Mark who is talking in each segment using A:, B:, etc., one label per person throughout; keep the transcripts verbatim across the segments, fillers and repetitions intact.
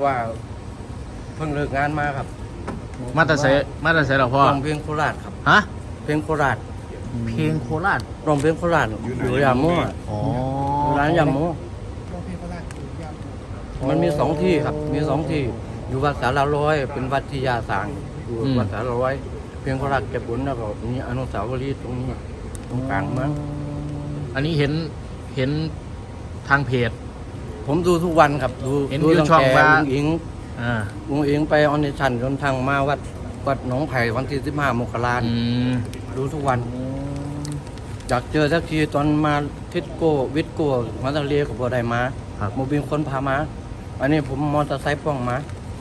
A: ว่าเพิ่งเลิกงานมาครับ
B: มาแต่ใส่มาแต่ใส่หรอพ่อ
A: ร้องเพลงโคราชครับ
B: ฮะ
A: เพลงโคราช
B: เพลงโคราช
A: ร้องเพลงโคราชอยู่ยาโม่อะ
B: อ๋อ
A: ร้านยาโม่
C: ร้องเพลงโคราชอยู่ยาม
A: มันมีสองที่ครับ มีสองที่อยู่วัดสาราร้อย เป็นวัดที่ยาสร้างอยู่วัดสาราร้อย เพลงโคราชเก็บบุญแล้วก็มีอนุสาวรีย์ตรงนี้ตรงกลางเมือง
B: อันนี้เห็นเห็นทางเพจ
A: ผมดูทุกวันครับดู
B: เห็น
A: ดู
B: อยู่
A: ตั้ง
B: ช่อง
A: แต่
B: ว่า
A: ลุงอิง
B: อ่า
A: ลุงอิงไปออนิชันจนทางมาวัดวัดหนองไผ่วันที่สิบห้ามกราคม
B: อืม
A: ดูทุกวัน อยากเจอสักทีตอนมาทิศโก้วิทย์โก้มาทะเลกับบัวไดมา
B: ครับ
A: โมบิลคนพามา อันนี้ผมมอเตอร์ไซค์ป้องมา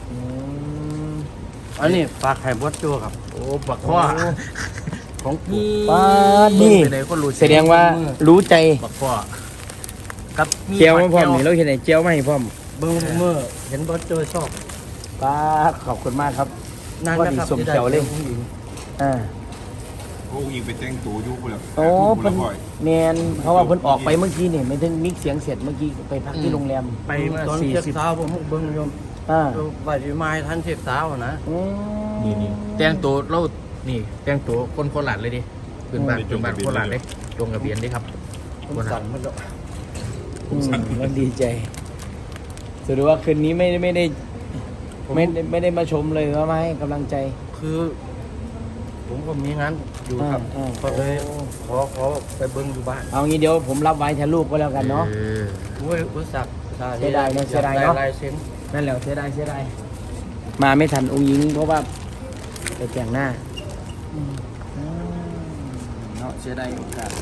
A: อันนี้ฝากไข่บดโจครับ
B: โอ้บักพ่อ
A: ของ
B: นี่
C: ป้านี่
B: เบิ่งไปไหนคนรู้
C: แสดงว่ารู้ใจ
B: บักพ่อกับมี
C: เจียวมาพร้อม
B: แก้ว
C: นี่เราเห็นไหนเจียวมาให้พร้อม
A: เบิ้งเมื่อเห็นบดโจชอบ
C: ป้าขอบคุณมากครับ
A: นาน
C: ว่า
A: นะ
C: ดี
A: ครับ
C: สมเขียวเลย
A: ที่ได้จอผู้หญิง
C: อ่า
D: โอ้ยิงไปแต่งตัวอยู่พุ่นละ
C: โอ้
D: พุ่
C: เพิ่
D: น
C: น
D: ละบ่อย
C: แมนเพราะว่าเพิ่นออกไปเมื่อกี้นี่ไม่ถึงมิกเสียงเสร็จเมื่อกี้ไปพักที่โรงแรม
B: ไปเมื่อ
A: ตอน
B: สี่
A: เช็ค
B: สิบ
A: เท้าผมเบิ้งโยม
C: อ่า
A: ว่าจะมาให้ท่านเช็คเท้านะ
C: อืม
B: นี่นี่แต่งตัวเรานี่แต่งตัวคนโคราชเลยดิขึ้นบ้านขึ้นบ้านโคราชเลยลงทะเบียนดิครับ
A: ผมสั่นมันแล้ว
C: อืมแล้วดีใจถือว่าคืนนี้ไม่ไม่ได้ไม่ได้ไม่ได้มาชมเลยว่ามาให้กำลังใจ
A: คือ ผมก็มีงานอยู่ครับ
C: อ่าอ่า
A: ก็เลยขอขอไปเบิ้งอยู่บ้าน
C: เอางี้เดี๋ยวผมรับไว้แทนลูกก็แล้วกันเนาะ
B: ออ
A: โอ้ยอุตส่าห์
C: เสียดายเนอะเสียดายเนอะ
A: ลายเซ็น
C: นั่นแหละเสียดายเสียดายมาไม่ทันองค์หญิงเพราะว่าไปแต่งหน้าอืมเนาะเสียดายโอกาส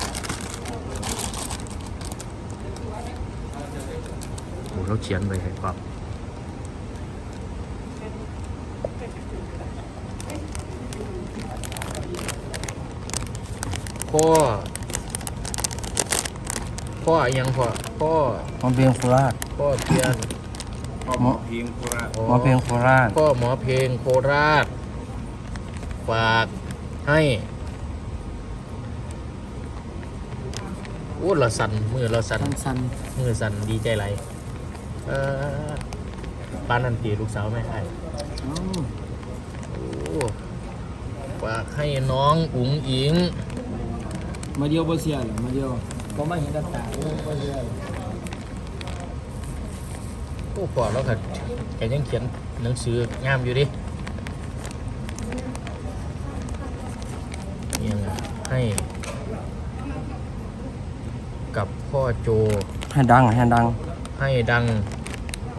B: โอ้เราเขียนไปให้ครับพ่อพ่อยังพ่อพ่อ
A: หมอเพลงโคราช
B: พ่อเพียน
D: พ่อหมอเพียงโคราช
A: หมอเพลงโคราช
B: พ่อหมอเพลงโคราช ฝากให้โอ้เราสั่นมือเราสั่น
C: สั้น
B: มือสั่นดีใจไรเออปานนันตีลูกสาวแม่ไอ้
C: ๆอ๋อ
B: โอ้ฝากให้น้องอุ๋งอิง
C: มาเดียวบ่เสียหรอมาเดียวก็มาเห็นกับตาบ่เสียหรอ
B: โอ้พอแล้วค่ะแกยังเขียนหนังสืองามอยู่ดิยังให้ กับพ่อโจ
A: ให้ดังให้ดัง
B: ให้ดัง โอ้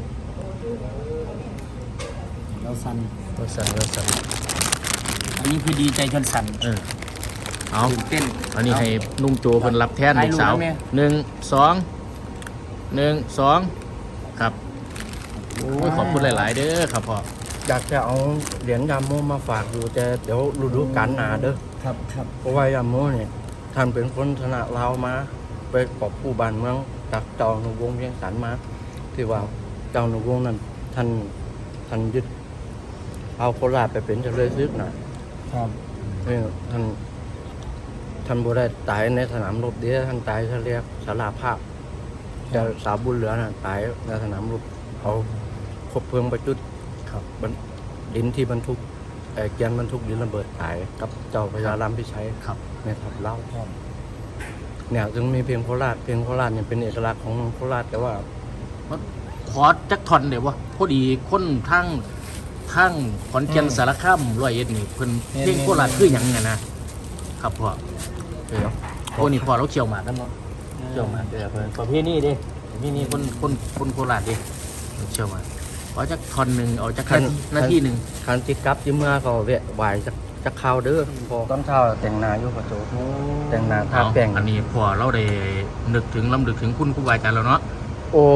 C: เราสั่น
B: เราสั่นเราสั่น
C: อันนี้คือดีใจจนสั่น
B: เออเอา
C: ตื่นเต้น
B: อันนี้ให้นุ่งโจเพิ่นรับแทน
C: ถ่าย
B: ลู
C: รู
B: ก
C: ป
B: สาว
C: ไว้ไหม
B: หนึ่งสองหนึ่งสองครับโอ้ยขอบคุณหลาย ๆ เด้อครับพ่อ
A: อยากจะเอาเหรียญยามโมมาฝากอยู่แต่เดี๋ยวฤดูกาลหนาเด้อ
C: ครับครับ
A: เพราะว่ายามโมเนี่ยท่านเป็นคนชนะลาวมา ไปกอบกู้บ้านเมืองจากเจ้าหนุวงศ์เวียงสันมา ที่ว่าเจ้าหนุวงศ์นั้นท่านท่านยึดเอาโคราชไปเป็นเจริญซึกน่ะ
C: ครับ
A: นี่ท่านท่านบ่ได้ตายในสนามรบเดียวท่านตายเขาเรียกสาราภาพเจะสาวบุญเหลือน่ะตายในสนามรบเอาคบเพลิงประจุด
B: ครับ
A: บรรดินที่บรรทุกเอ่อเกียนบรรทุกดินระเบิดตายกับเจ้าพญารามพิชัย
B: ครับ
A: ในทับเล่าเนี่ยถึงมีเพลงโคราชเพลงโคราชเนี่ยเป็นเอกลักษณ์ของโคราชแต่ว่า
B: ขอจักทอนเดี๋ยววะพอดีคนทั้งทั้งขอนแก่นสารคามร้อยเอ็ดนี่เพิ่นเพลงโคราชคือหยังไงนะครับพ่อเดี๋ยวโอ้นี่พ่อเราเชี่ยวหมากกันเนาะเชี่ยวหมากเดี๋ยวเพิ่นประเภทนี้ดิประเภทนี้คนคนคนโคราชดิเชี่ยวหมากขอจักทอนหนึ่งเอาจักหน้าที่หนึ่ง
A: คันติกลับที่เมื่อก็เวะไหวจะจะเข้าวเด้อพอตอนเช้าแต่งหน้าอยู่ประโจแต่งหน้าทา
B: เอา
A: แป้ง
B: อันนี้พอเราได้นึกถึงลำลึกถึงคุณครูบาอาจารย์แล้วเนาะ
A: โอ้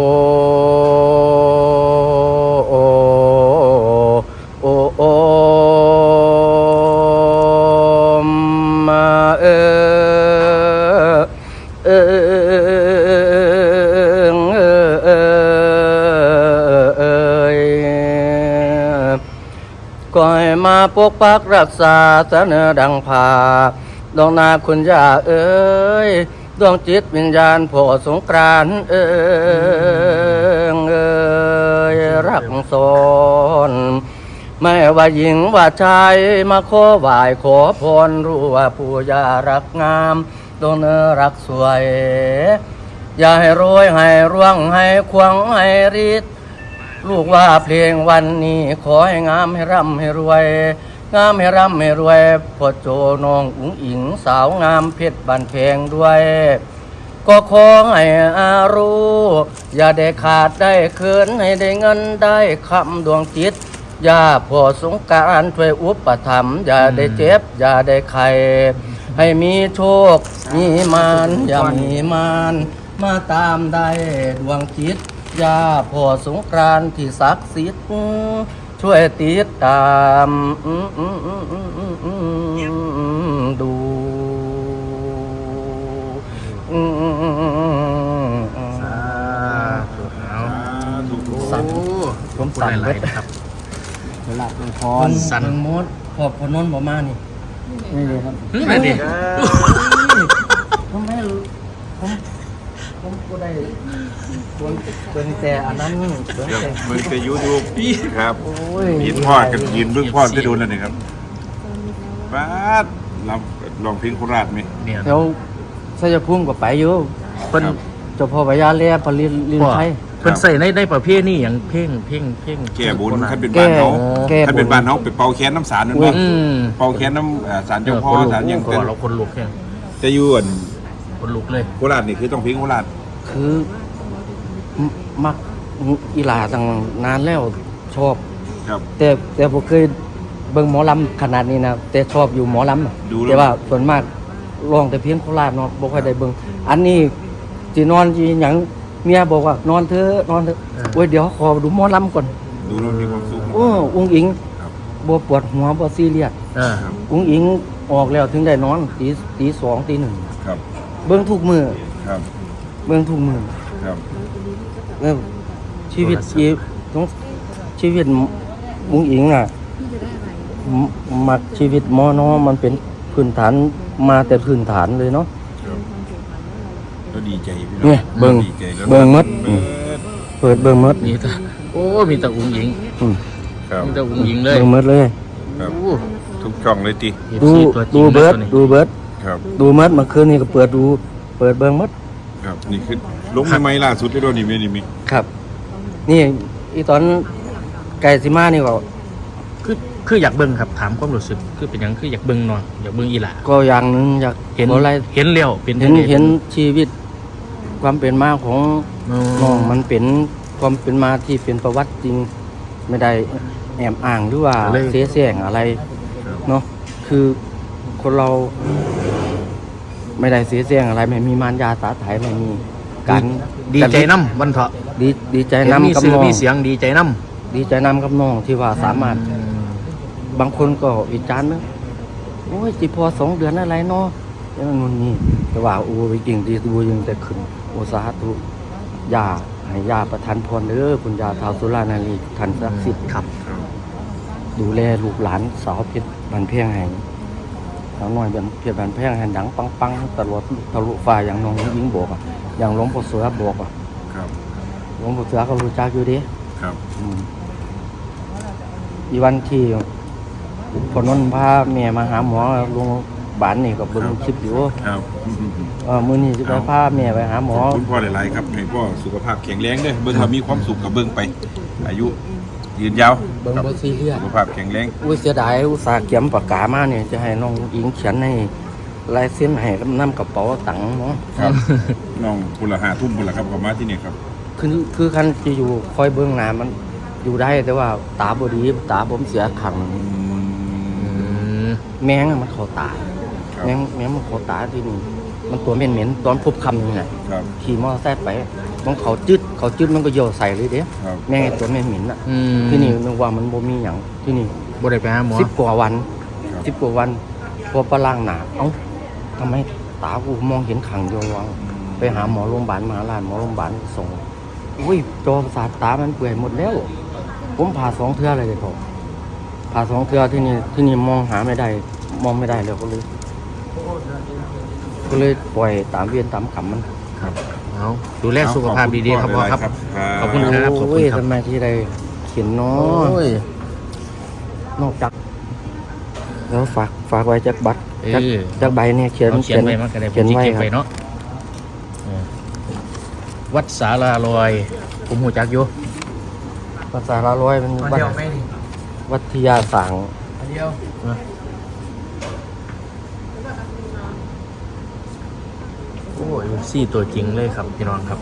A: โอ้โอ้โอ้มาเออเออเออเออก่อยมาปกปักรักษาเสนอดังพาดวงนาคุณย่าเอ้ยดวงจิตวิญญาณโผสงกรานต์เอ้ยเอ้ยรักสอนไม่ว่าหญิงว่าชายมาขอไหว้ขอพรรู้ว่าผู้ยารักงามตัวเนื้อรักสวยอย่าให้รวยให้ร่วงให้ควงให้รีดลูกว่าเพลงวันนี้ขอให้งามให้ร่ำให้รวยงามให้ร่ำให้รวยพ่อโจน้องอุ๋งอิงสาวงามเพชรบันเพงด้วยก็ขอให้อารู้อย่าได้ขาดได้เขินให้ได้เงินได้คำดวงจิตอย่าพ่อสงกรานต์ช่วยอุปถัมภ์อย่าได้เจ็บอย่าได้ไข้ให้มีโชคมีมานอย่ามีมานมาตามได้ดวงจิตอย่าพ่อสงกรานต์ที่ศักดิ์สิทธิ์ช่วยติดตามดู
B: สาธุเอา
D: ถูก
A: สั่น
B: ผมสั่นเลยนะครับ
C: เวลาเป็นพ
A: คน
C: ร
B: สั่น
A: เมืองมดพอพอนนท์บ่มานี่
C: นี่เลยครับ
B: เฮ้ยนั่นดิ
A: ผมไม่รู้ผมผมก็ได้ควรเบิ่งแต่อันนั้นเบิ่งแต่
D: มันจะยูทูบครับ
A: โอ้ย
D: ยินพ่อกันยินเบื้องพ่อจะดูแล้วนี่ครับป้าดลำลองเพลงโคราชไหม
B: เนี่ย
A: แล้วชัยภูมิก็ไปอยู่
B: เพิ่น
A: เจ้าพ่อพญาแล่ผลิตลิน
B: พ่อ
A: ไทย
B: เพิ่นใส่ในในประเภทนี่อย่างเพ่งเพ่งเพ่ง
D: แก่บุญท่านเป็นบ้านเขา
A: แก้
D: ท่านเป็นบ้านเขาไปเป่าแค้นน้ำสารนั่น
A: อุ้
D: บ้าย ง
B: อืม
D: เป่าแค้นน้ำเอ่อสารเจ้าพ่อ
B: คนลุก
D: สารยัง
B: ก่
D: เป็
B: อน นเราคนลุกแค่
D: จะอยู่อัน
B: คนลุกเลย
D: โคราชนี่คือต้องเพลงโคราช
A: คือมมักอีหลาตั้งนานแล้วชอบ
D: ครับ
A: แต่แต่ผมเคยเบิ่งหมอลำขนาดนี้นะแต่ชอบอยู่หมอลำอะ
D: ดูแล้ว
A: แต่ว่าส่วนมากร้องแต่เพียงโคราชเนาะบ่ค่อยได้เบิ่งอันนี้สินอนสิหยังเมียบอกว่านอนเถอะนอนเถอะโอ้ยเดี๋ยวขอดูหมอลำก่อน
D: ดูแล้วมีความสุข
A: โอ้อุ้งอิง
D: ครับ
A: บ่ปวดหัวบ่ซีเรียส
B: เออ
D: ครับ
A: อุ้งอิงออกแล้วถึงได้นอนตีตีสองตีหนึ่ง
D: ครับ
A: เบิ่งทุกมื้อ
D: ครับ
A: เบิ่งทุกมื้อ
D: ครับ
A: เออชีวิตอีต้องชีวิตอุ้งอิงน่ะมมักชีวิตหมอเนาะมันเป็นพื้นฐานมาแต่พื้นฐานเลยเนาะ
D: ครับก็ดีใจพี่
A: เนี่ยเบิ่ง
D: ดีใจแล้ว
A: เบิ่งหมด
D: เบิ่ง
A: เปิดเบิ่งหมด
B: มีแต่โอ้มีแต่อุ้งหญิง
A: อืม
D: ครับ
B: มีแต่อุ้งหญิงเลย
A: เบิ่งหมดเลย
D: ครับ
B: โอ้
D: ทุกช่องเลยติ
A: ดู
B: ตัวจริ
A: ดู
B: ง
A: เบิร์ด
B: นะ
A: ดูเบิร์ด
D: ครับ
A: ดูเบิร์ดเมื่อคืนนี้ก็เปิดดูเปิดเบิ่งหมด
D: ครับนี่คือลงใหม่ๆล่าสุดที่โดนนี่มีนี่มี
A: ครับ นี่อีตอนไก่สิมานี่ก็
B: คือคืออยากเบิ่งครับถามความรู้สึกคือเป็นหยังคืออยากเบิ่งหน่อยอยากเบิ่งอีหล่า
A: ก็อย่างหนึงอยาก
B: เห็น
A: บ่ไร
B: เห็นแล้วเป็น
A: เห็น
B: จั่งใด
A: เห็นชีวิตความเป็นมาของ
B: อ๋อ
A: น้องมันเป็นความเป็นมาที่เป็นประวัติจริง ไม่ได้แอบอ้างหรือว่าเสียแสงอะไรเนาะคือคนเรา ไม่ได้เสียแสงอะไร ไม่มีมารยาสาไถไม่มีการ
B: ดีใจน้ำวันเถาะ
A: ดีดีใจ
B: เห็นมี
A: นำกับ
B: สื่อ
A: น้อง
B: มีเสียงดีใจน้
A: ดีใจนำกับน้องที่ว่าสามารถ บางคนก็วิจารณ์นะโอ้ยจิพอสองเดือนอะไรเนาะอย่างนู้นนี่แต่ว่าโอ้ยจริงดีดูยังแต่ขึ้นโอสาธุยาให้ยาประทานพรเด้อคุณยาท้าวสุรานารีทันศักดิ์สิทธิ์
B: ำครับ
A: ดูแลลูกหลานสาวเพชรบันเพียงให้สาวน้อยเป็นเพชรบันเพียงให้ดังปังปังตลอดทะลุฟ้าอย่างน้องยิงบอกอ่ะอย่างหลวงพ่อเสือบอกอ่ะ
D: ครับ
A: หลวงพ่อเสือก็รู้จักอยู่เดิ
D: ครับ
A: อีวันที่พอนนท์พาแม่มาหาหมอโรงพยาบาลนี่ก็เบิ่งคลิปอยู่
D: ครับ
A: เออมื้อนี้สิไปพาแม่ไปหาหมอ
D: คุณพ่อหลายๆครับให้พ่อสุขภาพแข็งแรงเด้อเบิ่งว่ามีความสุขกับเบิ่งไป อายุยืนยาว
A: เบิ่ง
D: ครับ
A: บ่ซีเรียส
D: สุขภาพแข็งแรง
A: อุ้ยเสียดายอุตส่าห์เขียนปากกามาเนี่ยจะให้น้องอิงเขียนให้ลายเส้นให้กับน้ำกระเป๋าตังค์เนาะ
D: ครับน้องพุนละหาทุ่มพุนละครับเขามาที่นี่ครับ
A: คือคือคันจะอยู่คอยเบื้องหน้ามันอยู่ได้แต่ว่าตาบ่ดีตาผมเสียขัง
D: อื
B: อื
D: ม
B: ม
A: แมงอะมันเข้าตา
D: ครับ
A: แมงแมงมันเข้าตาที่นี่มันตัวเหม็นๆตอนพบคำนี่แหละ
D: ครับ
A: ขี่มอเตอร์ไซค์ไปมันเขาจึดเขาจึดมันก็โยนใส่เลยเด้
D: ครับ
A: แม่งไอ้ตัวเหม็นๆน่ะ
B: อืม
A: ที่นี่นึกว่ามันบ่มีหยังที่นี่
B: บ่ได้ไปหาหมอ
A: สิบกว่าวัน
D: ครับ
A: สิบกว่าวันพอประล่างหนาเอ้าทำไมตากูมองเห็นขังโยงวังไปหาหมอโรงพยาบาลมหาราชหมอโรงพยาบาลส่งอุ้ยจอประสาทตามันเปื่อยหมดแล้ว ผมผ่าสองเทื่อเลยเลยผมผ่าสองเทื่อที่นี่ที่นี่มองหาไม่ได้ มองไม่ได้เลยก็เลย ก็เลยปล่อยตามเวียนตามกรรมมัน
B: ครับเอาดูแลสุขภาพดีๆครับพ่อครับ ขอบคุณครับขอบ
A: โอ้
B: คุ
A: ย
B: ณครับ
A: ทำไมที่ได้ขียนเนา
B: โอ้
A: ะ
B: ย
A: นอกจากแล้วฝากฝากไว้จากบัตร
B: เอ
A: จาก
B: อ
A: จากใบเนี่ยเขียน
B: เอาเขียนไว้มันก็ได้
A: เขียนไว้
B: เก็บ
A: ค
B: ไว้
A: รับ
B: เนาะเออวัดสาราลอย ผมหูจักอยู่
A: ภาษาละร้อยเป็นวัดวัทยาสัง
C: อันเดียว
B: โอ้ยซี่ตัวจริงเลยครับพี่น้องครับ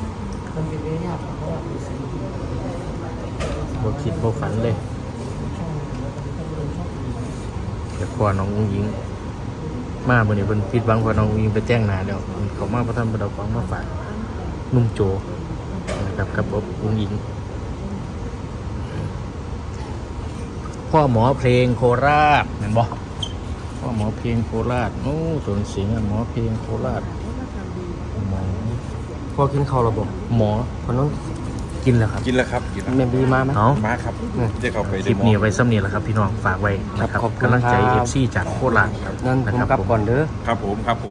B: บ่คิดบ่ฝันเลยแต่พอน้องอุ้งยิง มาบนนี้เป็นผิดหวังพอน้องอุ้งยิงไปแจ้งหนาเดี๋ยวเขามาพระท่านประดับฟังมาฝากนุ่มโจนะครับกับอบอุ้งยิง พ่อหมอเพลงโคราชเห็นบ่พ่อหมอเพลงโคราชโอ้ตัวเสียงอะหมอเพลงโคราชหมอ
A: พอกินข้าวระบบ
B: หมอ
A: พอน้อง
B: กินแล้วครับ
D: กินแล้วครับกินแล้ว
A: เมบีมาไหม
B: เอา
D: มาครับจะเข้าไป
B: คลิปนี้ไว้ซ้ำนี้แหละครับพี่น้องฝากไว้นะครับ
A: ครับขอบคุณ
B: กำลังใจ
A: ค
B: เอ
A: รับ
B: ฟซีจากโคราช
A: นั่นผม
B: นะครับ
A: กลับ
B: ผม
A: ก่อนเด้อ
D: ครับผมครับผม